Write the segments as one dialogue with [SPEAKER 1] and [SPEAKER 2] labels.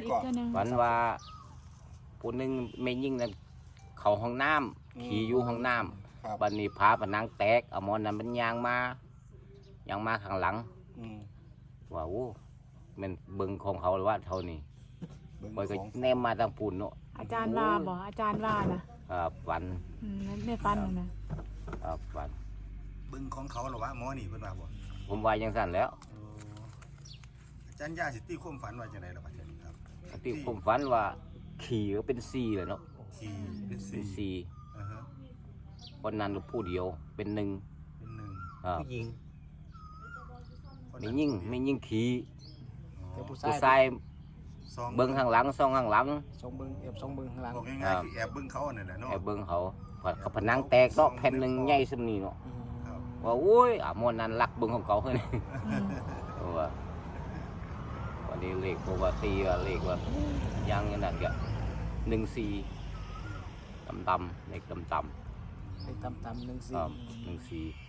[SPEAKER 1] ก่อน
[SPEAKER 2] ฝันว่าผู้หนึงไม่ยิ่งนั่นเขาห้องน้ำขี่อยู่ห้องน้ำบัดนี้พาผนังแตกเอาหมอนนั้นมันยางมาข้างหลังว่าโอ้มันเบิ่งของเขาว่าเท่านี้บ่ก็แนมมาทางปุ่นเนาะ
[SPEAKER 3] อาจารย์ว่าบ่อาจารย์ว่านะครับ
[SPEAKER 2] ฝัน
[SPEAKER 3] ในฝันนะครับ
[SPEAKER 2] ฝัน
[SPEAKER 1] เบิ่งของเขาหรอวะหมอนี่เพิ่นว่าบ่
[SPEAKER 2] ผมว่าจังซั่นแล้ว
[SPEAKER 1] อาจารย์ย่าสิตีความฝันว่าจังได๋ล่ะบัดนี้ครับ
[SPEAKER 2] ที่ผมฝันว่าขี่ก็เป็น4เลยเนาะ
[SPEAKER 1] ขี่เป็น
[SPEAKER 2] เป็น
[SPEAKER 1] 4
[SPEAKER 2] 4คนนั้นผู้เดียวเป็น1
[SPEAKER 1] เป็น1
[SPEAKER 2] ครับ
[SPEAKER 4] ผู้หญิง
[SPEAKER 2] ไม่ยิ่งขี่
[SPEAKER 4] แต่ผู้
[SPEAKER 2] ผู้
[SPEAKER 4] ชาย
[SPEAKER 2] ชาย
[SPEAKER 1] ซอง
[SPEAKER 2] เบิ่งข้างหลังซ่องข้างหลัง
[SPEAKER 4] สองเบิ้งสองเบิ้งข้างหลัง
[SPEAKER 1] บอกง่ายๆคือแอบเบิ่งเขานั่นแหละเนาะ
[SPEAKER 2] ไอ้เบิ่งเขาเขาผนังแตกเนาะแผ่นหนึงใหญ่ส่ำนี้เนาะ
[SPEAKER 1] ครับ
[SPEAKER 2] ว่าโอ้ยหมอนนั้นรักเบิ่งของเขาเฮ้ยว่าวันนี้เลขปกติว่าเลขว่ายังอย่างนั้นก็14ต่ำๆเลขต่ำ
[SPEAKER 4] เลขต่ำๆ1
[SPEAKER 2] ๆครับ
[SPEAKER 4] 4
[SPEAKER 2] 14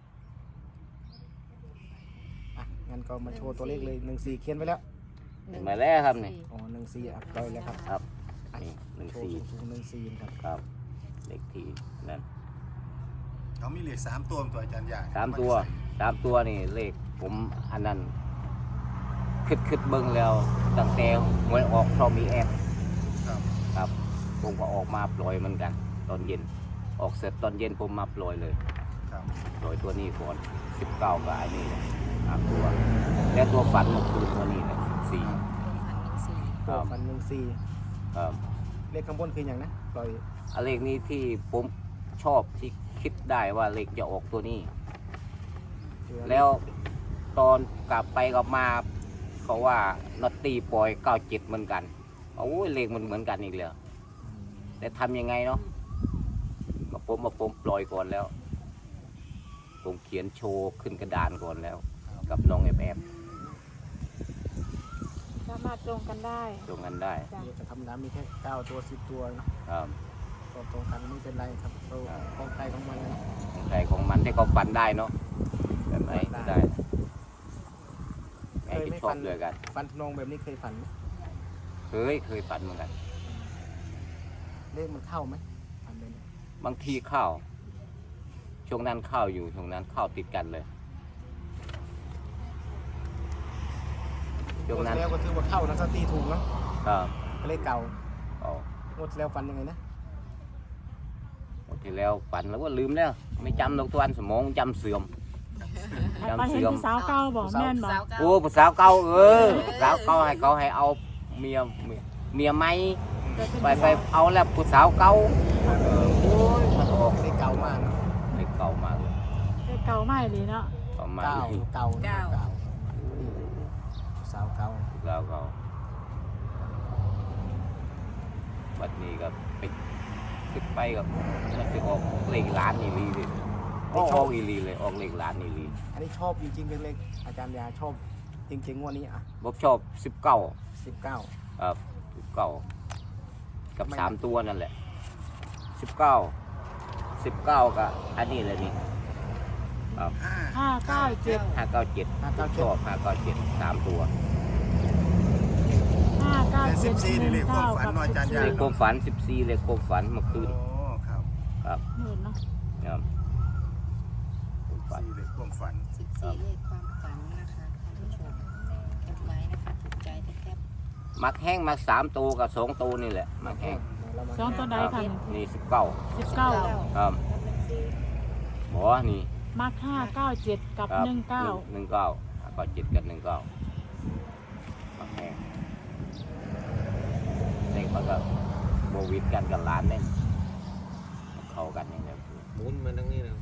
[SPEAKER 4] อ่ะงั้นก็มาโชว์ตัวเลขเลย1 4เขียนไว้แล้ว
[SPEAKER 2] มาแล้วครับนี่
[SPEAKER 4] อ๋อ1 4อ่ะปล่อยแล้วครับ
[SPEAKER 2] ครับนี่
[SPEAKER 4] โชว์สูงๆ1 4ครับ
[SPEAKER 2] ครับเลขที่นั่น
[SPEAKER 1] เขามีเลข3ตัวตัวอาจารย์ย่า
[SPEAKER 2] 3 ตัวนี่เลขผมอันนั้นคิดเบิ่งแล้วตั้งแต่หวยออกเพราะมีแอป
[SPEAKER 1] ครับ
[SPEAKER 2] ครับผมก็ออกมาปล่อยเหมือนกัน ตอนเย็นออกเสร็จตอนเย็นผมมาปล่อยเลย
[SPEAKER 1] ครับ
[SPEAKER 2] ปล่อยตัวนี้ก่อน19กับไอ้นี่ตัวแล้วตัวฝันเมื่อคืนตัวนี้นะ4ค
[SPEAKER 4] ตัว
[SPEAKER 2] รับ
[SPEAKER 4] ฟัน1
[SPEAKER 2] ครับ
[SPEAKER 4] 4เลขข้างบนคืออย่างนะปล่อย
[SPEAKER 2] อันเลขนี้ที่ผมชอบที่คิดได้ว่าเลขจะออกตัวนี้ แล้วตอนกลับไปกลับมาเขาว่านอตตีปล่อย97เหมือนกันโอ้ยเลขมันเหมือนกันอีกแล้วแต่ทำยังไงเนาะผมปล่อยก่อนแล้ว ผมเขียนโชว์ขึ้นกระดานก่อนแล้ว กับน้องแอบ
[SPEAKER 3] สามารถตรงกันได้
[SPEAKER 2] ตรงกันได้
[SPEAKER 3] จ้ะ
[SPEAKER 4] จะทำน้ำมีแค่9ตัว10ตัวนะครับ ก็ตรงกันไม่เป็นไรครับตัวของใครของมันเลย
[SPEAKER 2] ของใครของมันที่เขาฝันได้เนาะแบบไหนก็ได้แม่จะชอบเลยกัน
[SPEAKER 4] ฟันทนองแบบนี้เคยฝันไหม
[SPEAKER 2] เคยฝันเหมือนกัน
[SPEAKER 4] เลขมันเข้าไหมฝันแบบนี้
[SPEAKER 2] บางทีเข้าช่วงนั้นเข้าอยู่ช่วงนั้นเข้าติดกันเลยช่วงนั้น
[SPEAKER 4] แล้วก็ถือว่าเข้านะสตีถูกเนาะ
[SPEAKER 2] ครับ
[SPEAKER 4] เลขเก่า
[SPEAKER 2] เอา
[SPEAKER 4] งวดแล้วฝันยังไงนะ
[SPEAKER 2] หมดที่แล้วฝันแล้วก็ลืมแล้ว ไม่จำนกตัวอันสมองจำเสื่อม
[SPEAKER 3] ไปเห็นผู้สาวเก่าบอกแม่นบอก
[SPEAKER 2] โอ้ผู้สาวเก่าสาวเก่าให้เขาให้เอาเมียไหมไปเอาแล้วผู้สาวเก่าโอ้ยมันออก
[SPEAKER 4] เลขเก่ามากนะ
[SPEAKER 2] เลขเก่ามากเลย
[SPEAKER 3] เก่าไม่ดีเนาะ
[SPEAKER 2] ประมาณ
[SPEAKER 4] เก่า
[SPEAKER 2] นี้
[SPEAKER 4] เก่านะเก่าสาวเก่า
[SPEAKER 2] แล้วก็บัดนี้ก็ไปขึ้นไปกับมันจะออกเลขล้านอีลีเลยออกอีลีเลยออกเลขล้านอีลี
[SPEAKER 4] อันนี้ชอบจริงๆเป็นเลขอาจารย์ยาชอบจริงๆงวดนี้อ่ะ
[SPEAKER 2] ผมชอบ
[SPEAKER 4] 19
[SPEAKER 2] ครับ19กับ3ตัวนั่นแหละ19กับอันนี้เลยนี่ครับ
[SPEAKER 3] 597
[SPEAKER 2] 597ชอบ597 3ตัว
[SPEAKER 3] 597
[SPEAKER 1] นี่เลขความฝันเนาะอาจารย์ย่า
[SPEAKER 2] เลขความฝัน14เลขความฝันเมื่อคืน
[SPEAKER 1] โอ้ครับ
[SPEAKER 2] ครับ
[SPEAKER 3] หมื่นเนาะ
[SPEAKER 2] ครับความฝัน
[SPEAKER 1] 4เลขความฝัน
[SPEAKER 5] 14เลขความฝันนะคะท่านผู้ชมจดไว้นะคะถูกใจแทบ
[SPEAKER 2] มักแห้งมัก3ตัวกับ2ตัวนี่แหละมักแห้ง
[SPEAKER 3] สองตัวใดค่ะ
[SPEAKER 2] นี่19
[SPEAKER 3] 19
[SPEAKER 2] ครับหมอนี่
[SPEAKER 3] มัก597กับ
[SPEAKER 2] ครับ
[SPEAKER 3] 19
[SPEAKER 2] 19ก็7กับ19มักแห้งเลขมันก็โบวิดกันกับร้านเนี่ยเข้ากันอย่างเงี้ย
[SPEAKER 4] หมุนมาทางนี้นะ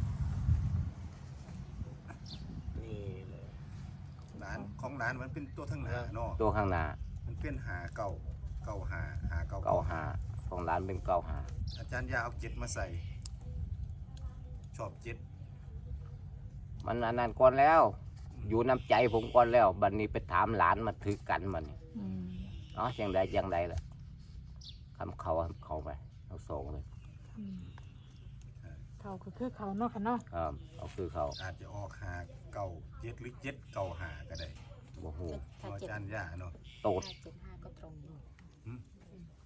[SPEAKER 4] นี่เลย
[SPEAKER 1] ร้านของร้านมันเป็นตัวทั้งหน้าเนาะ
[SPEAKER 2] ตัวข้างหน้า
[SPEAKER 1] มันเป็นหาเก่าเก่าหาหาเก่า
[SPEAKER 2] 95ของร้านเป็น95
[SPEAKER 1] อาจารย์ยาเอา7มาใส่ ชอบ7
[SPEAKER 2] มันอันนั้นก่อนแล้ว อยู่น้ำใจผมก่อนแล้วบัดนี้ไปถามหลานมาถือกันมันนี่
[SPEAKER 3] อืม
[SPEAKER 2] เนาะจังใดล่ะคำเขาไปเอาสองเลย
[SPEAKER 3] อืมเขาก็คือเขาเนาะค่ะเนาะ
[SPEAKER 2] ครับเอาคือเขา
[SPEAKER 1] อาจจะออกหาเก่า7หรือ7เก่าหาก็ได้
[SPEAKER 2] โอ้โห
[SPEAKER 5] ๆถ้า
[SPEAKER 1] อา
[SPEAKER 5] 7
[SPEAKER 1] จารย์ยาเนาะ
[SPEAKER 2] โตด
[SPEAKER 5] 575ก็ตรงอยู่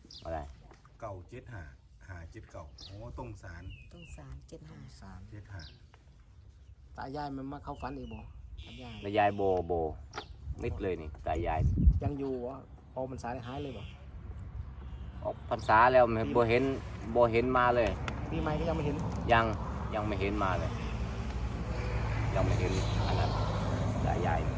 [SPEAKER 2] อะไร
[SPEAKER 1] เก่าเจ็ดหาหาเจ็ดเก่าโอ้ตรงสาร
[SPEAKER 5] ต้องสารเจ็ดหา
[SPEAKER 4] สาร
[SPEAKER 1] เจ็ดหา
[SPEAKER 4] ตายายมันมาเข้าฝันอีกบ่ตายาย
[SPEAKER 2] แล้วยายโบมิดเลยนี่ตายาย
[SPEAKER 4] ยังอยู่วะพอมันสายหายเลยบ่
[SPEAKER 2] ออกพรรษาแล้วไม่บ่เห็นมาเลย
[SPEAKER 4] ปีใหม่ก็ยังไม่เห็น
[SPEAKER 2] ยังไม่เห็นมาเลย ยังไม่เห็นอันนั้นตายาย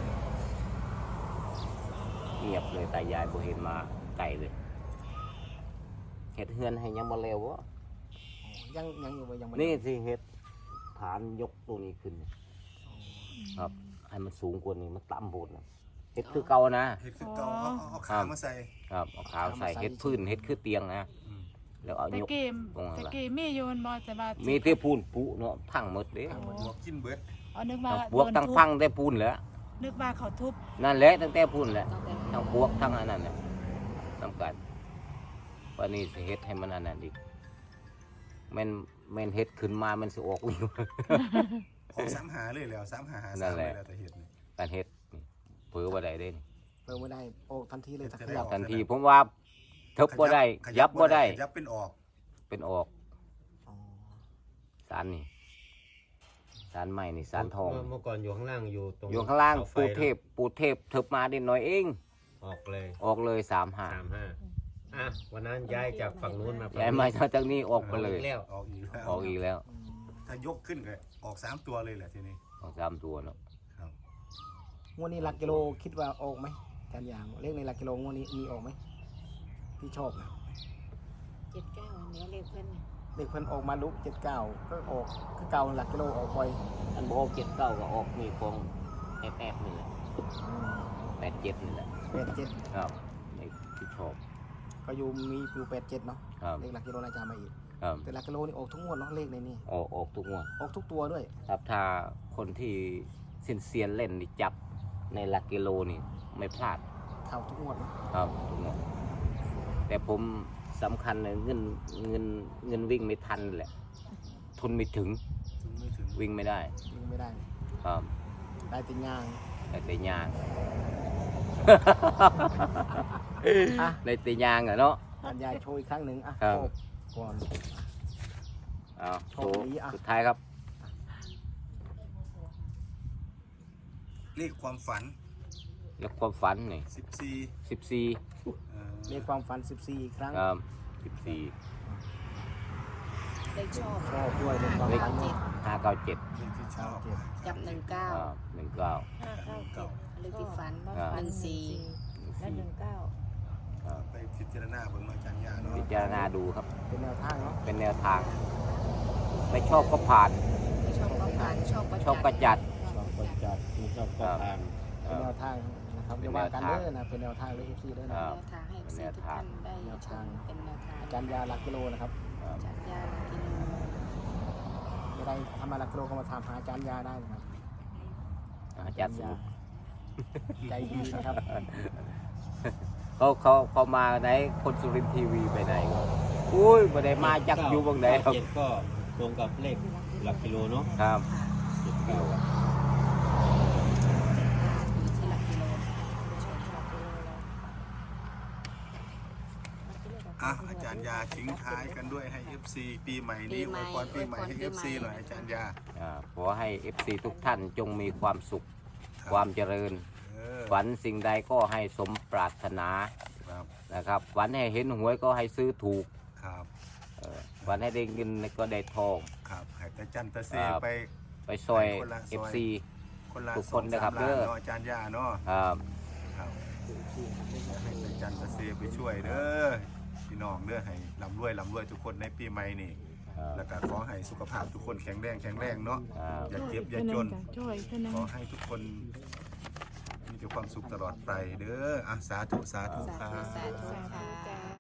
[SPEAKER 2] เงียบเลยตายายบ่เห็นมาไกลเลยเฮ็ดเฮือนให้ยังบ่เร็ววะ
[SPEAKER 4] ยังอยู่บ่ยังไม่
[SPEAKER 2] นี่สิเฮ็ดฐานยกตัวนี้ขึ้น ครับให้มันสูงกว่านี้มันต่ำโพดนะเฮ็ดคือเก่านะ
[SPEAKER 1] เห็ดคือเก่าเอาขามาใส่
[SPEAKER 2] ครับเอาขาวใส่เฮ็ดพื้นเฮ็ดคือเตียงนะ
[SPEAKER 1] อืม
[SPEAKER 2] แล้วเอา
[SPEAKER 3] แต่
[SPEAKER 2] ยก
[SPEAKER 3] เกม
[SPEAKER 2] ตรงนั้น
[SPEAKER 3] แต่
[SPEAKER 2] ล่ะ
[SPEAKER 3] เกมมีอยู่มันบ่แต่ว่า
[SPEAKER 2] มีที่ปูนปุเนาะพังหมดเด้
[SPEAKER 1] บวกกินเบิด
[SPEAKER 3] เอานึกว่า
[SPEAKER 2] ทั้งปวกทั้งพังแต่ปูนแหล้ว
[SPEAKER 3] นึกว่าเขาทุบ
[SPEAKER 2] นั่นแหละตั้งแต่ปูนแหละ
[SPEAKER 5] ตั้งแต่
[SPEAKER 2] ทั้งปวกทั้งอันนั้นน่ะนำกันวันนี้สิเฮ็ดให้มันอันนั้นอีกแม่นเฮ็ดขึ้นมามันสิออกวิ่ง
[SPEAKER 1] ออก3หาเลยแล้ว3หาหา
[SPEAKER 2] นั่น
[SPEAKER 1] 3
[SPEAKER 2] แห
[SPEAKER 1] เล
[SPEAKER 2] ละ
[SPEAKER 1] ยแล้วแต่เห็ดนี่
[SPEAKER 2] การเฮ็ดนี่เผือบ่ได้เด้นี่
[SPEAKER 4] เปิดไม่ได้โอ้ทันทีเลยถ้าข
[SPEAKER 1] จะได้
[SPEAKER 4] ยับ
[SPEAKER 1] ออก
[SPEAKER 2] ทันทีผมว่าทึบบ่ได้ยับบ่ได้
[SPEAKER 1] ยับเป็นออก
[SPEAKER 2] เป็นออก
[SPEAKER 4] อ๋อ
[SPEAKER 2] สารนี่สารใหม่นี่สารทอง
[SPEAKER 6] เมื่อก่อนอยู่ข้างล่างอยู่ตรง
[SPEAKER 2] อยู่ข้างล่าง
[SPEAKER 6] สไฟ
[SPEAKER 2] ปูเทพทึบมานิดหน่อยเอง
[SPEAKER 6] ออกเลย
[SPEAKER 2] ออกเลย3-5
[SPEAKER 6] 35อ่ะวันนั้นย้ายจากฝั่งนู้นมาฝั่ง
[SPEAKER 2] ย้ายมาจากนี้ออกไปเลย
[SPEAKER 6] กแล้ว
[SPEAKER 1] ออกอีกแล้ว
[SPEAKER 2] ออกอีกแล้ว
[SPEAKER 1] ถ้ายกขึ้นก็ออก3ตัวเลยแหละทีนี้
[SPEAKER 2] ออก3ตัวเนาะ
[SPEAKER 1] ครับ
[SPEAKER 4] งวดนี้หลักกิโลคิดว่าออกไหมอาจารย์ยางเลขในหลักกิโลงวดนี้มีออกไหมที่ชอบนะ
[SPEAKER 5] เจ็ดเก้าเนื้อเลขเพื่อนเนี่ย
[SPEAKER 4] เลขเพิ่นออกมาลุก79ก็ออกคือเก่าหลักกิโลออกบ่อย
[SPEAKER 2] อันบ่ออก7-9ก็ออกมีกองแอบนี่แหละ8-7นี่แหละ
[SPEAKER 4] 87
[SPEAKER 2] ครับนี่ที่ชอบ
[SPEAKER 4] ก็อยู่มีอยู่87เนาะ
[SPEAKER 2] ครับ
[SPEAKER 4] เลขหลักกิโลน่าจะมาอีก
[SPEAKER 2] ครับ
[SPEAKER 4] แต่หลักกิโลนี่ออกทุกงวดเนาะเลขในนี่
[SPEAKER 2] ออกทุกงวด
[SPEAKER 4] ออกทุกตัวด้วย
[SPEAKER 2] ครับถ้าคนที่เซียนเล่นนี่จับในหลักกิโลนี่ไม่พลาด
[SPEAKER 4] เข้าทุกงวดเนาะ
[SPEAKER 2] ครับทุกงวดแต่ผมสำคัญเลยเงินวิ่งไม่ทันแหละทุนไม่ถึง
[SPEAKER 1] ไม่ถึง
[SPEAKER 2] วิ่งไม่ได้
[SPEAKER 4] ยิงไม่ได้
[SPEAKER 2] ครับ
[SPEAKER 4] ได้แติย่าง
[SPEAKER 2] แต่ยาง
[SPEAKER 4] อ่ะ
[SPEAKER 2] ในแต่ยางอะเนาะ
[SPEAKER 4] อาจารย์ยายโชว์อีกครั้งหนึ่งอ่ะ
[SPEAKER 2] ครับ
[SPEAKER 4] โชว์ก่อน
[SPEAKER 2] เอา
[SPEAKER 4] โช
[SPEAKER 2] โช
[SPEAKER 4] ว์
[SPEAKER 2] ว์
[SPEAKER 4] นี้อ่ะ
[SPEAKER 2] สุดท้ายครับ
[SPEAKER 1] เลขความฝัน
[SPEAKER 2] แล้วความฝันนี่
[SPEAKER 1] 14
[SPEAKER 2] 14
[SPEAKER 4] เลขความฝัน14อีกครั้ง
[SPEAKER 2] ครับ14
[SPEAKER 5] เลขชอบ
[SPEAKER 4] ชอบด้วยเลขความ
[SPEAKER 2] เลข
[SPEAKER 4] ฝันด้วย
[SPEAKER 2] 597
[SPEAKER 1] เลขที่ชอบ
[SPEAKER 5] กับ19
[SPEAKER 2] 19
[SPEAKER 5] เลขที่ฝัน
[SPEAKER 2] ครับ
[SPEAKER 5] 14
[SPEAKER 3] และ19
[SPEAKER 1] ไปพิจารณาเบิ่งอาจารย์ยาเนาะ
[SPEAKER 2] พิจารณาดูครับ
[SPEAKER 4] เป็นแนวทางเนาะ
[SPEAKER 2] เป็นแนวทาง ไม่ชอบก็ผ่าน
[SPEAKER 5] ชอบก็ผ่านชอบก็
[SPEAKER 2] ชอบก็จัด
[SPEAKER 6] ชอบก็จัดไม่ชอบก็ผ่าน
[SPEAKER 4] เป็นแนวทางนะครับ
[SPEAKER 2] เป็
[SPEAKER 4] อย่าน
[SPEAKER 2] แน
[SPEAKER 4] ว่าว กัน
[SPEAKER 2] ทาง
[SPEAKER 4] เด้อนะเป็นแนวทางเลยที่ด้วย
[SPEAKER 2] ค
[SPEAKER 4] นะ
[SPEAKER 2] รับ
[SPEAKER 5] แนวทางให้ซื้อทุกท่านได้ชมเป็นแนวทาง
[SPEAKER 4] อาจารย์ยาหลักกิโลนะครับ
[SPEAKER 5] จากยากิน
[SPEAKER 4] ไม่ได้ทำมาหลักกิโลก็มาถามหาอาจารย์ยาได้นะครับ
[SPEAKER 2] อาจารย์สมุทร
[SPEAKER 4] ใจดีนะครับ
[SPEAKER 2] เขามาไหนคนสุรินทร์ทีวีไปไหนอุ้ยไม่ได้มาจากอยู่บางไหนครับ
[SPEAKER 6] เจ็ดก็ตรงกับเลขหลักกิโลเนาะ
[SPEAKER 2] ครับ
[SPEAKER 6] เจ็ดเก้า
[SPEAKER 5] อยู่ที่หลักกิโล
[SPEAKER 1] อาจารย์ยาทิ้งท้ายกันด้วยให้ FC ปีใหม่นี้อวยพรปีใหม่ให้ FC หน่อยอาจารย์ยา
[SPEAKER 2] ขอให้ FC ทุกท่านจงมีความสุข ความเจริญ ฝันสิ่งใดก็ให้สมปรารถนา
[SPEAKER 1] ครับ
[SPEAKER 2] นะครับฝันให้เห็นหวยก็ให้ซื้อถูก
[SPEAKER 1] ครับ
[SPEAKER 2] ฝันให้ได้เงินก็ได้ทอง
[SPEAKER 1] ครับให้ตาจันตาเซ
[SPEAKER 2] ครับ
[SPEAKER 1] ไป
[SPEAKER 2] ไปซอย
[SPEAKER 1] คนละซอย
[SPEAKER 2] FC
[SPEAKER 1] คนละ
[SPEAKER 2] ทุกคนนะครับ
[SPEAKER 1] 2-3ล้า
[SPEAKER 2] เด้อ
[SPEAKER 1] เนาะอาจารย์ยาเนาะ
[SPEAKER 2] ครับ
[SPEAKER 1] ครับให้ตาจันตาเซไปช่วยเด้อพี่น้องเด้อให้ร่ำรวยทุกคนในปีใหม่นี่
[SPEAKER 2] ครับ
[SPEAKER 1] แล้วก็ขอให้สุขภาพทุกคนแข็งแรงเนาะ
[SPEAKER 2] ครับ
[SPEAKER 1] อย่าเจ็บอย่าจน
[SPEAKER 3] ช่วยเท่านั้น
[SPEAKER 1] ขอให้ทุกคนมีแต่ความสุขตลอดไปเด้อสาธุ
[SPEAKER 5] สา
[SPEAKER 1] ครั
[SPEAKER 5] ธุ
[SPEAKER 1] บ
[SPEAKER 5] สาธุค่ะ